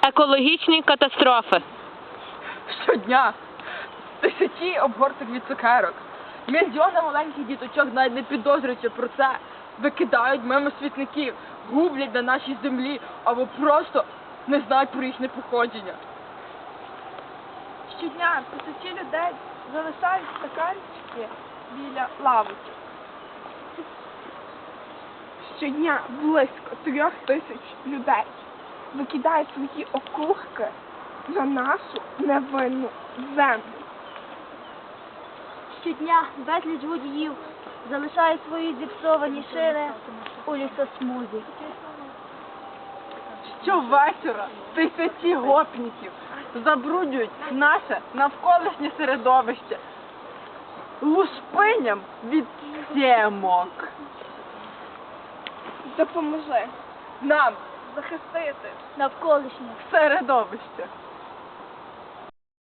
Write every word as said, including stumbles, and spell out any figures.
Екологічні катастрофи. Щодня тисячі обгорток від цукерок. Мільйони маленьких діточок, навіть не підозрюючи про це, викидають мимо смітників, гублять на нашій землі або просто не знають про їхнє походження. Щодня тисячі людей залишають стаканчики біля лавочок. Щодня близько трьох тисяч людей викидають свої окурки на нашу невинну землю. Щодня безліч водіїв залишають свої зіпсовані шини у лісосмузі. Щовечора тисячі гопників забруднюють наше навколишнє середовище лушпиням від сімок. Допоможи Нам захистити Навколишнє середовище.